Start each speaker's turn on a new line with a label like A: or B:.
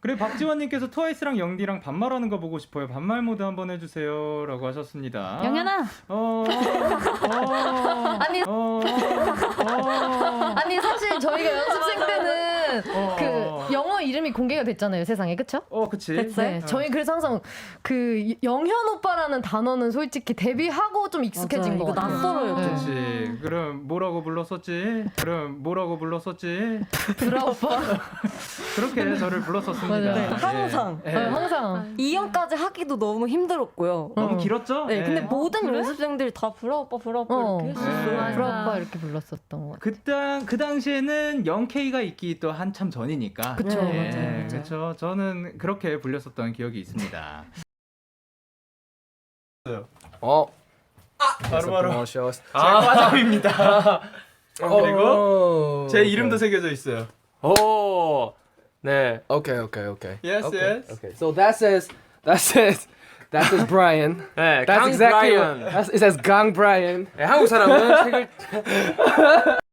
A: 그리고 박지원님께서 트와이스랑 영디랑 반말하는 거 보고 싶어요. 반말 모드 한번 해주세요라고 하셨습니다.
B: 영현아.
C: 아니 사실 저희가 연습생 때는 그 영어 이름이 공개가 됐잖아요 세상에 그쵸?
A: 그치.
C: 네, 저희 그래서 항상 그 영현 오빠라는 단어는 솔직히 데뷔하고 좀 익숙해진 거 같아요.
B: 낯설어요.
A: 그렇지. 그럼 뭐라고 불렀었지?
C: 브라 오빠.
A: 그렇게 저를 불렀었습니다.
C: 네,
D: 항상.
A: 예.
C: 항상
D: 2연까지 하기도 너무 힘들었고요.
A: 너무 길었죠?
D: 네, 근데
A: 예.
D: 모든 연습생들이 다 브라 오빠 이렇게 했었어요.
A: 네.
C: 브라 오빠 이렇게 불렀었던 것 같아요.
A: 그 당시에는 0K가 있기 또 한참 전이니까.
C: 그쵸,
D: 맞아요.
A: 그렇죠. 저는 그렇게 불렸었던 기억이 있습니다.
E: 바로
F: 쇼.
E: 과장입니다. 그리고
F: 어,
E: 제 이름도 새겨져 있어요.
F: 오. 네. Okay.
E: Yes, yes.
F: Okay. So that says Brian.
E: 네,
F: That's
E: 강
F: exactly
E: 브라이언.
F: it says Gang Brian.
E: 네, 한국 사람은 책을